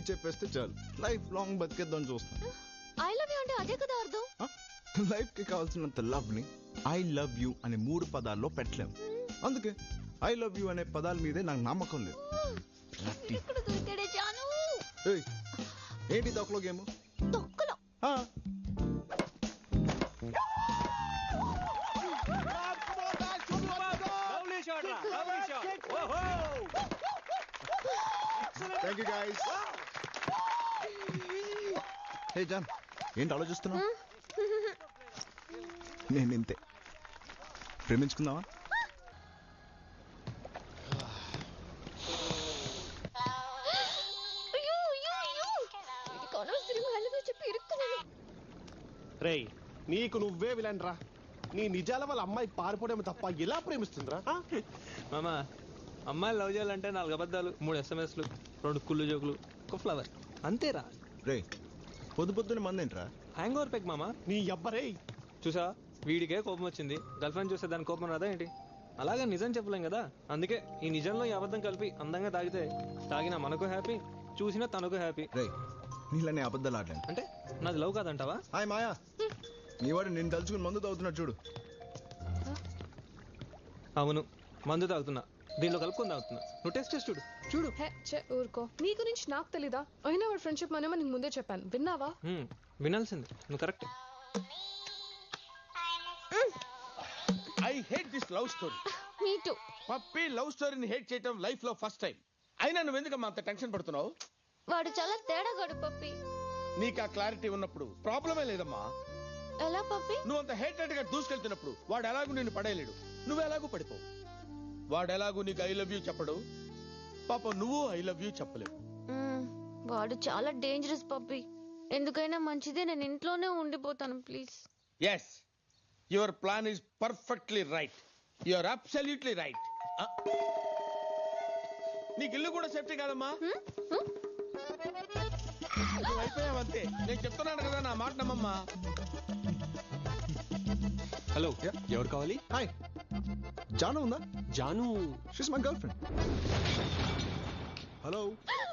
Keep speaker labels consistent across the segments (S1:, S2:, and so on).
S1: చెప్పేస్తే చాలు, life long బతికేద్దాం చూస్తాను.
S2: ఐ లవ్ యూ అంటే అదే కదా అర్థం.
S1: లైఫ్ కి కావాల్సినంత లవ్ ని ఐ లవ్ యూ అనే 3 పదాల్లో పెట్టలేము. అందుకే ఐ లవ్ యూ అనే పదాల మీదే నాకు నమ్మకం లేదు. ఏంటి తొక్కలో గేమ్?
S2: తొక్కలో
S1: thank you guys. Hey John, ఏంటి ఆలోచిస్తున్నావు? నేను ఇంతే. ప్రేమించుకుందామా?
S3: రేయ్, నీకు నువ్వే విలన్ రా. నీ నిజాల వాళ్ళ అమ్మాయి పారిపోవడం తప్ప ఎలా ప్రేమిస్తుందిరా?
S4: మామా, అమ్మాయిలు లవ్ చేయాలంటే 4 అబద్ధాలు, 3 SMSలు, 2 కుళ్ళు జోకులు, ఒక ఫ్లవర్, అంతేరా.
S1: రే, పొద్దున్న మంది ఏంట్రా?
S4: హ్యాంగ్ ఓవర్ పెక్ మామా.
S3: నీ అబ్బరే
S4: చూసా, వీడికే కోపం వచ్చింది, గర్ల్ ఫ్రెండ్ చూస్తే దాని కోపం రాదా ఏంటి? అలాగే నిజం చెప్పలేం కదా, అందుకే ఈ నిజంలో ఈ అబద్ధం కలిపి అందంగా తాగితే తాగినా మనకు హ్యాపీ, చూసినా తనకు హ్యాపీ.
S1: రే, నీళ్ళని అబద్ధాలు ఆడలేను.
S4: అంటే నాది లవ్ కాదంటావా?
S1: హాయ్ మాయా, నీ వాడు నేను తలుచుకుని మందు తాగుతున్నాడు చూడు.
S4: అవును, మందు తాగుతున్నా, దీనిలో కలుపుకొని తాగుతున్నా. నువ్వు టెస్ట్ చేసి చూడు. చూడు.
S5: ఊరుకో, నీ గురించి నాకు తెలీదా? అయినా వాడు ఫ్రెండ్షిప్ మనమే నీకు ముందే చెప్పాను, విన్నావా?
S4: వినాల్సింది, నువ్వు correct.
S3: I hate this love story.
S2: Me too.
S3: Puppy love స్టోరీని హేట్ చేయడం లైఫ్ లో ఫస్ట్ టైం. అయినా నువ్వు ఎందుకమ్మా అంత టెన్షన్ పడుతున్నావు?
S2: వాడు చాలా తేడాగాడు పప్పి.
S3: నీకు ఆ క్లారిటీ ఉన్నప్పుడు ప్రాబ్లమే లేదమ్మా.
S2: ఎలా పప్పి?
S3: నువ్వు అంత హేటెడ్ గా దూసుకెళ్తున్నప్పుడు వాడు ఎలాగూ నిన్ను పడేయలేడు, నువ్వు ఎలాగూ పడిపోవు. వాడు ఎలాగూ నీకు ఐ లవ్ యూ చెప్పడు, పాప నువ్వు ఐ లవ్ యూ చెప్పలేవు.
S2: వాడు చాలా డేంజరస్ పప్పి. ఎందుకైనా మంచిదే, నేను ఇంట్లోనే ఉండిపోతాను please.
S3: Yes, your plan is perfectly right. Your absolutely right. నీకు ఇల్లు కూడా సేఫ్టీ కాదమ్మా. నువ్వు అయిపోయావంతే. నేను చెప్తున్నాను కదా, నా మాట నమ్మమ్మా.
S4: హలో, ఎవరు కావాలి?
S1: హాయ్, జాను ఉందా?
S4: Janu,
S1: she's my girl friend. Hello.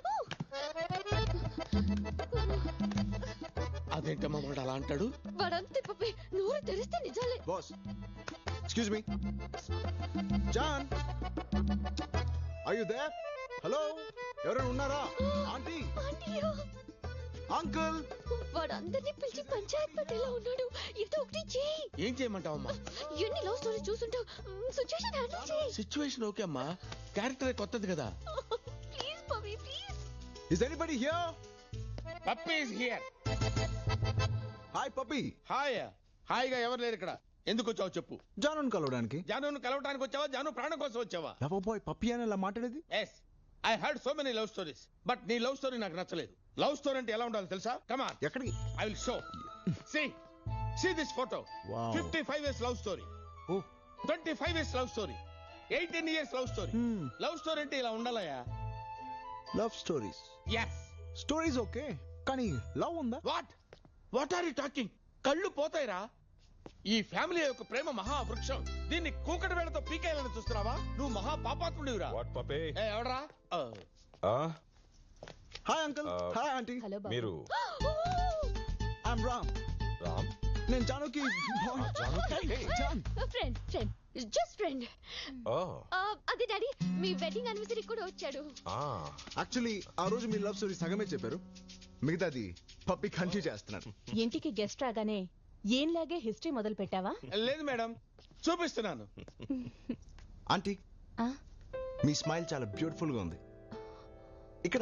S3: అదేంటమ్మా వాడు అలా అంటాడు?
S2: వాడంతే పప్పి, నోరు తెరిస్తే నిజాలే.
S1: Boss, excuse me. John, are you there? Hello, ఎవరైనా ఉన్నారా? Aunty, uncle.
S2: వాడు అందరినీ పిలిచి పంచాయత్ పట్టేలా ఉన్నాడు. ఏదో ఒకటి చేయి.
S3: ఏం చేయమంటావమ్మా?
S2: ఎన్ని లవ్ స్టోరీ చూసుంటావు, సిచ్యువేషన్ హ్యాండిల్ చేయి.
S3: సిచ్యువేషన్ ఓకే అమ్మా, క్యారెక్టర్ కొత్తది కదా.
S2: Please Puppy, please.
S1: Is anybody here?
S3: Puppy is here.
S1: Hi Puppy.
S3: Hi. హాయిగా ఎవరు లేరు ఇక్కడ. ఎందుకు వచ్చావు చెప్పు.
S1: జానుని కలవడానికి.
S3: జానును కలవడానికి వచ్చావా? జాను ప్రాణం కోసం వచ్చావా?
S1: లవ్ బాయ్ పప్పి అని అలా మాట్లాడేది?
S3: Yes, I heard so many love stories, but నీ లవ్ స్టోరీ నాకు నచ్చలేదు. లవ్ స్టోరీ అంటే ఎలా ఉండాలి తెలుసా? Come on.
S1: ఎక్కడికి?
S3: I will show. See this photo.
S1: Wow.
S3: 55 years love story.
S1: Oh.
S3: 25 years love story. 18 years love story. Love story అంటే ఇలా ఉండాలయా?
S1: Love stories.
S3: Yes.
S1: Stories okay, కానీ లవ్ ఉందా?
S3: What are you talking? కళ్ళు పోతాయిరా. ఈ family యొక్క ప్రేమ మహావృక్షం. దీన్ని కూకటి వేళతో పీకేయాలని చూస్తున్నావా? నువ్వు మహా పాపాత్ముడివిరా.
S6: What Puppy?
S3: ఎవడరా?
S1: Hi uncle. Hi aunty.
S6: మీరు?
S1: ఐఎమ్ రామ్.
S6: రామ్?
S1: నేను జానుకి జాన్
S2: ఫ్రెండ్, జస్ట్ ఫ్రెండ్. అదే డాడీ, మీ వెడ్డింగ్ యానివర్సరీ కూడా వచ్చాడు.
S1: యాక్చువల్లీ ఆ రోజు మీ లవ్ స్టోరీ సగమే చెప్పారు, మిగతాది పప్పి కంటిన్యూ చేస్తున్నాడు.
S7: ఇంటికి గెస్ట్ రాగానే ఏంలాగే హిస్టరీ మొదలు పెట్టావా?
S3: లేదు మేడం, చూపిస్తున్నాను.
S1: ఆంటీ, మీ స్మైల్ చాలా బ్యూటిఫుల్ గా ఉంది. ఇక్కడ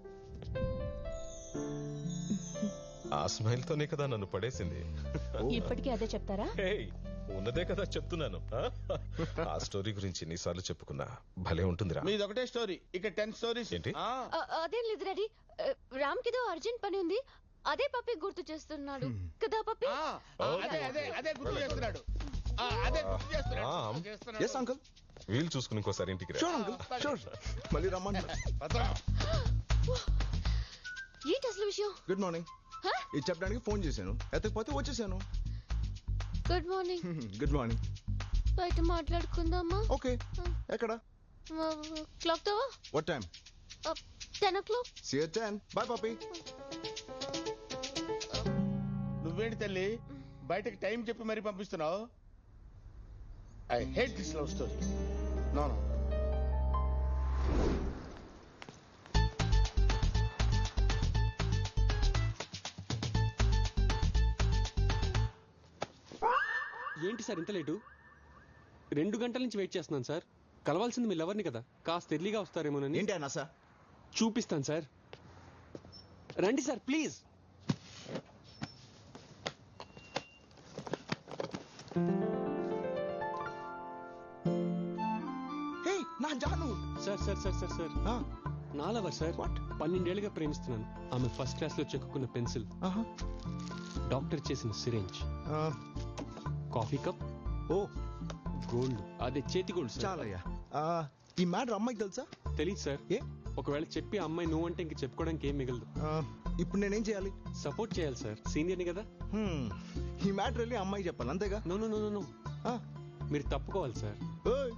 S6: ఆ స్మైల్ తోనే కదా నన్ను పడేసింది.
S7: ఇప్పటికీ అదే చెప్తారా?
S6: ఉన్నదే కదా చెప్తున్నాను. ఆ స్టోరీ గురించి ఎన్నిసార్లు చెప్పుకున్నా భలే ఉంటుందిరా.
S3: మీది ఒకటే స్టోరీ, ఇక్కడ 10 స్టోరీస్.
S6: ఏంటి?
S2: అదేం లేదు డాడీ, రామ్ కిదో అర్జెంట్ పని ఉంది, అదే పప్పి గుర్తు చేస్తున్నాడు కదా పప్పి?
S3: అదే గుర్తు చేస్తున్నాడు.
S1: Yes uncle.
S6: వీలు చూసుకుని ఇంకోసారి ఇంటికి రా.
S1: Sure uncle, sure. మళ్ళీ రమ్మంటారు.
S2: ఏంటి అసలు విషయం?
S1: Good morning. ఇది చెప్పడానికి ఫోన్ చేశాను, ఎత్తకపోతే వచ్చేసాను.
S2: Good morning.
S1: Good morning.
S2: బయట మాట్లాడుకుందామా?
S1: ఓకే. ఎక్కడ?
S2: క్లాక్ తోవా?
S1: What time?
S2: 10 o'clock.
S1: See you at 10. Bye, puppy.
S3: నువ్వేంటి తల్లి బయటకు టైం చెప్పి మరీ పంపిస్తున్నావు? I hate this love story. No no.
S8: ఏంటి సార్ ఇంత లేటు? 2 గంటల నుంచి వెయిట్ చేస్తున్నాను సార్. కలవాల్సింది మీ లవర్ని కదా, కాస్త ఎర్లీగా వస్తారేమోనని.
S1: ఏంటి అన్నా సార్?
S8: చూపిస్తాను సార్, రండి సార్ ప్లీజ్.
S1: హే నా Janu.
S8: Sir sir sir sir sir నా లవర్ సార్. 12 ఏళ్ళుగా ప్రేమిస్తున్నాను. ఆమె ఫస్ట్ క్లాస్ లో చెక్కున్న పెన్సిల్, డాక్టర్ చేసిన సిరెంజ్, కాఫీ కప్,
S1: ఓ
S8: గోల్డ్, అదే చేతి గోల్డ్ సార్.
S1: చాలయ్యా. ఈ మ్యాటర్ అమ్మాయికి తెలుసా?
S8: తెలీదు సార్.
S1: ఏ
S8: ఒకవేళ చెప్పి అమ్మాయి నువ్వు అంటే ఇంక చెప్పుకోవడానికి ఏం మిగలదు.
S1: ఇప్పుడు నేనేం చేయాలి?
S8: సపోర్ట్ చేయాలి సార్, సీనియర్ని కదా.
S1: ఈ మ్యాటర్ వెళ్ళి అమ్మాయి చెప్పాలి అంతేగా?
S8: నో నో నో నో, మీరు తప్పుకోవాలి సార్.
S1: ఓయ్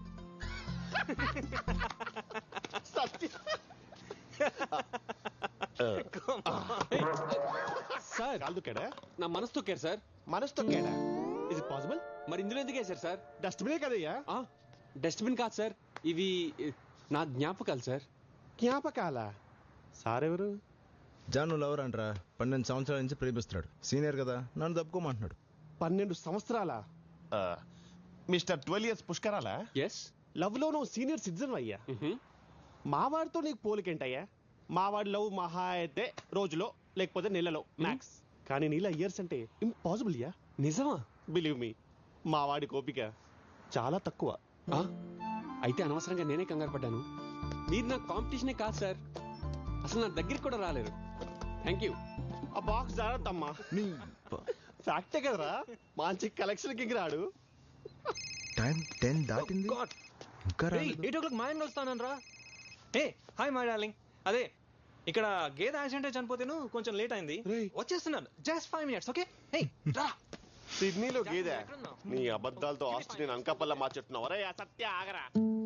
S8: సార్ నా మనసు తొక్కారు సార్.
S9: మనసు తొక్కాడా? Is it possible?
S8: మరి ఇందులో ఎందుకు వేశారు సార్?
S9: డస్ట్బినే కదయ్యా.
S8: డస్ట్బిన్ కాదు సార్, ఇవి నా జ్ఞాపకాలు సార్.
S9: జ్ఞాపకాల? సార్ ఎవరు?
S1: జాను లవర్ అంటరా, 12 సంవత్సరాల నుంచి ప్రేమిస్తున్నాడు. సీనియర్ కదా, నన్ను తప్పుకోమంటున్నాడు.
S9: 12 సంవత్సరాల? మిస్టర్ 12 years పుష్కరాలా?
S8: ఎస్.
S9: లవ్ లో నువ్వు సీనియర్ సిటిజన్ అయ్యా. మావాడితో నీకు పోలికేంటయ్యా? మావాడి లవ్ మహా అయితే రోజులో లేకపోతే నెలలో మ్యాక్స్, కానీ నీలా ఇయర్స్ అంటే ఇంపాసిబుల్ యా.
S8: నిజమా?
S9: బిలీవ్ మీ, మావాడి కోపిక చాలా తక్కువ.
S8: అయితే అనవసరంగా నేనే కంగారు పడ్డాను. మీరు నా కాంపిటీషనే కాదు సార్, అసలు నా దగ్గరికి కూడా రాలేరు. Thank you.
S9: ఆ బాక్స్ జాగ్రత్తమ్మా. ఫ్యాక్టే కదరా, మంచి కలెక్షన్ కి రాడు.
S1: టైం 10 దాటింది, ఇంకా రాలేదు.
S4: 8 o'clock మా ఆయన వస్తానని రా. Hey hi my darling. అదే ఇక్కడ గేదె యాక్సిడెంట్ చనిపోతేను కొంచెం లేట్ అయింది, వచ్చేస్తున్నాను. Just 5 minutes. ఓకే రా.
S9: సిడ్నీలో గేదె? నీ అబద్ధాలతో ఆస్తి నేను అంకపల్ల మార్చెట్టున్నావు. రే సత్య ఆగరా.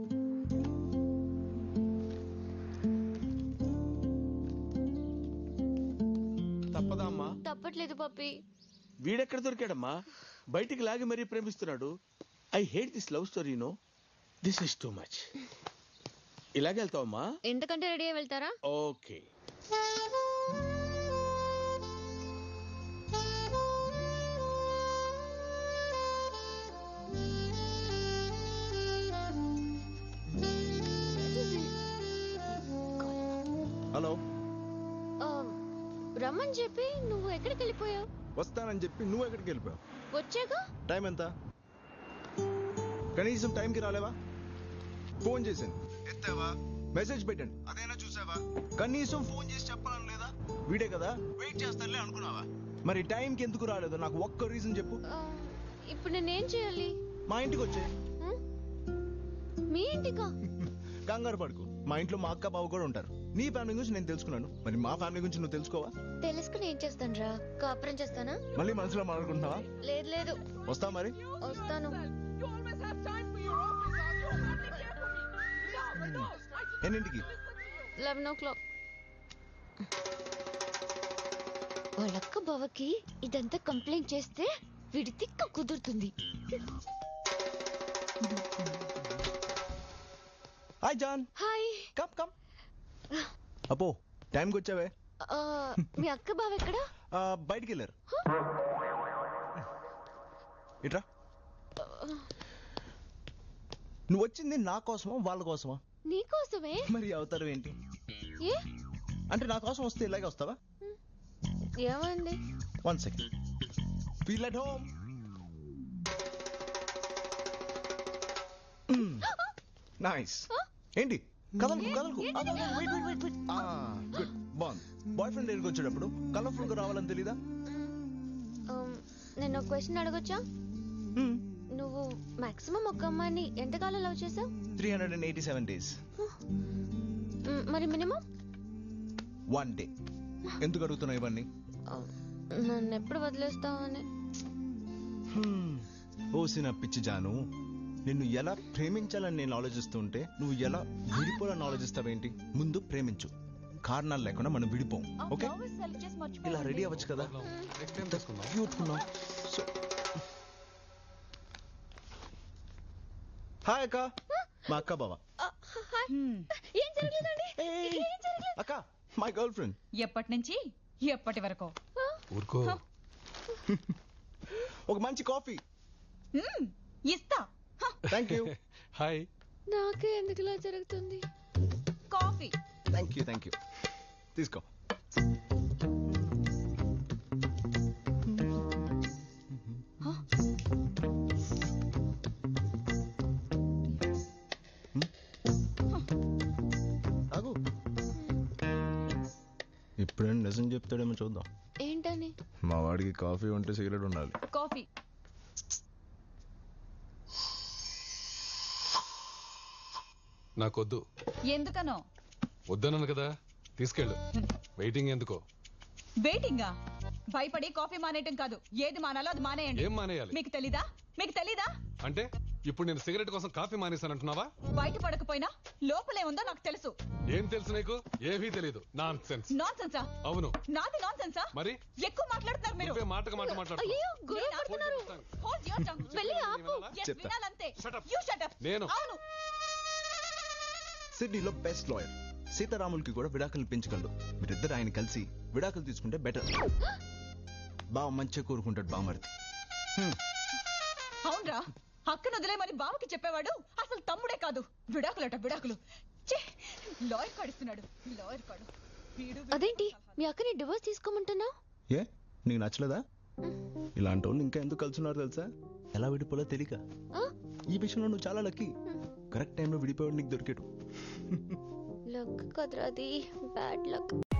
S3: తప్పదా అమ్మా?
S2: తప్పట్లేదు పప్పి.
S3: వీడెక్కడ దొరికాడమ్మా? బయటికి లాగి మరీ ప్రేమిస్తున్నాడు. I hate this love story. No, this is too much. ఇలాగే వెళ్తావమ్మా?
S2: ఎంతకంటే రెడీ అయి వెళ్తారా?
S3: ఓకే.
S1: హలో.
S2: రమ్మని చెప్పి నువ్వు ఎక్కడికి వెళ్ళిపోయావు?
S1: వస్తానని చెప్పి నువ్వు ఎక్కడికి వెళ్ళిపోయావు?
S2: వచ్చాక
S1: టైం ఎంత? కనీసం టైంకి రాలేవా? ఫోన్ చేశాను, ఎత్తావా? మెసేజ్ పెట్టండి, అదైనా చూసావా? కనీసం ఫోన్ చేసి చెప్పాలని లేదా? వీడే కదా, వెయిట్ చేస్తానులే అనుకున్నావా? మరి టైంకి ఎందుకు రాలేదు? నాకు ఒక్క రీజన్ చెప్పు.
S2: ఇప్పుడు నేనేం చేయాలి?
S1: మా ఇంటికి వచ్చే.
S2: మీ ఇంటికా?
S1: కంగారు పడుకో, మా ఇంట్లో మా అక్క బావ కూడా ఉంటారు. నీ ఫ్యామిలీ గురించి నేను తెలుసుకున్నాను, మరి మా ఫ్యామిలీ గురించి నువ్వు తెలుసుకోవా?
S2: తెలుసుకుని ఏం చేస్తాను రా? కాపురం చేస్తానా?
S1: మళ్ళీ మనసులో మాట్లాడుకుంటున్నావా?
S2: లేదు లేదు.
S1: వస్తావా మరి?
S2: వస్తాను.
S1: ఎన్నింటికి?
S2: 11 o'clock. వాళ్ళక్క బావకి ఇదంతా కంప్లైంట్ చేస్తే వీడి తిక్క కుదురుతుంది.
S1: Hi John.
S2: Hi.
S1: Come come. అపో టైంకి వచ్చావే.
S2: మీ అక్క బావ ఎక్కడా?
S1: బయటికి వెళ్ళారు. ఇట్రా. నువ్వు వచ్చింది నా కోసమా వాళ్ళ కోసమా?
S2: నీ కోసమే.
S1: మరి అవతారం ఏంటి?
S2: ఏ
S1: అంటే నా కోసం వస్తే ఇలాగే వస్తావా?
S2: ఏమైంది?
S1: 1 second. Feel at home. Nice. ఏంటి కదలకు కదలకు? గుడ్. బాగుంది. బాయ్ ఫ్రెండ్ దగ్గరికి వచ్చేటప్పుడు కలర్ఫుల్ గా రావాలని తెలీదా?
S2: నేను ఒక క్వశ్చన్ అడగొచ్చా? నువ్వు మాక్సిమం ఒక అమ్మాయిని ఎంతకాలం లవ్ చేసావు?
S1: 387 days.
S2: మరి మినిమం?
S1: 1 day. ఎందుకు అడుగుతున్నావు ఇవన్నీ?
S2: నన్ను ఎప్పుడు వదిలేస్తావని.
S1: ఓసిన పిచ్చి జాను, నిన్ను ఎలా ప్రేమించాలని నేను ఆలోచిస్తుంటే నువ్వు ఎలా విడిపోవాలని ఆలోచిస్తావేంటి? ముందు ప్రేమించు, కారణాలు లేకుండా మనం విడిపోం. ఓకే, ఇలా రెడీ అవ్వచ్చు కదా. క్యూట్ ఉన్నాం. సో హాయ్ అక్క, మా అక్క బావ.
S2: ఏం జరగలేదండి, ఏం జరగలేదు.
S1: అక్క మై గర్ల్ ఫ్రెండ్.
S7: ఎప్పటి నుంచి ఎప్పటి వరకు?
S6: ఊరుకో.
S1: ఒక మంచి కాఫీ.
S7: ఇస్తా.
S1: Thank you.
S8: హాయ్.
S2: నాకే ఎందుకు ఇలా జరుగుతుంది?
S7: Coffee.
S1: Thank you, thank you. తీసుకో. తాగు. ఇప్పుడేం నిజం చెప్తాడేమో చూద్దాం.
S2: ఏంటని?
S1: మా వాడికి కాఫీ ఉంటే సిగరెట్ ఉండాలి.
S7: కాఫీ.
S10: నాకొద్దు.
S7: ఎందుకనో?
S10: వద్దన్నాను కదా, తీసుకెళ్ళు. వెయిటింగ్ ఎందుకో?
S7: వెయిటింగా? భయపడి కాఫీ మానేయటం కాదు, ఏది మానాలో అది మానేయండి.
S10: ఏం మానేయాలి?
S7: మీకు తెలీదా? మీకు తెలీదా?
S10: అంటే ఇప్పుడు నేను సిగరెట్ కోసం కాఫీ మానేశానంటున్నావా?
S7: బయట పడకపోయినా లోపలే ఉందో నాకు తెలుసు.
S10: ఏం తెలుసు నీకు? ఏమీ తెలీదు. Nonsense.
S7: నాన్ సెన్సా?
S10: అవును.
S7: నాది నాన్ సెన్సా?
S10: మరి
S7: ఎక్కువ మాట్లాడుతున్నారు మీరు.
S10: నువ్వే మాటకు మాట మాట్లాడుతున్నావు.
S2: అయ్యో, గొడవ
S7: నేనా?
S2: పడుతున్నారు.
S7: Hold your tongue.
S2: వెళ్ళి ఆపు.
S7: Yes,
S1: చెప్తా.
S7: వినాలంతే.
S10: Shut up.
S7: You shut up.
S10: నేను.
S7: అవును.
S1: సిడ్నీలో బెస్ట్ లాయర్ సీతారాములకి కూడా విడాకులు పెంచగలడు. మీరిద్దరు ఆయన కలిసి విడాకులు తీసుకుంటే బెటర్. బావ మంచిగా కోరుకుంటాడు బామర్ది.
S7: అవునరా, అక్కను వదిలేమని బావకి చెప్పేవాడు అసలు తమ్ముడే కాదు. విడాకులట విడాకులు. లాయర్ కాడిస్తున్నాడు, లాయర్ కాడు.
S2: అదేంటి మీ అక్కని డివోర్స్ తీసుకోమంటున్నావు?
S1: ఏ నీకు నచ్చలేదా? ఇలాంటి వాళ్ళు ఇంకా ఎందుకు కలుసున్నారు తెలుసా? ఎలా విడిపోలో తెలియక. ఈ విషయంలో నువ్వు చాలా లక్కీ. కరెక్ట్ టైంలో విడిపోయాడు నీకు దొరికాడు.
S2: లక్ కదరా అది, బ్యాడ్ లక్.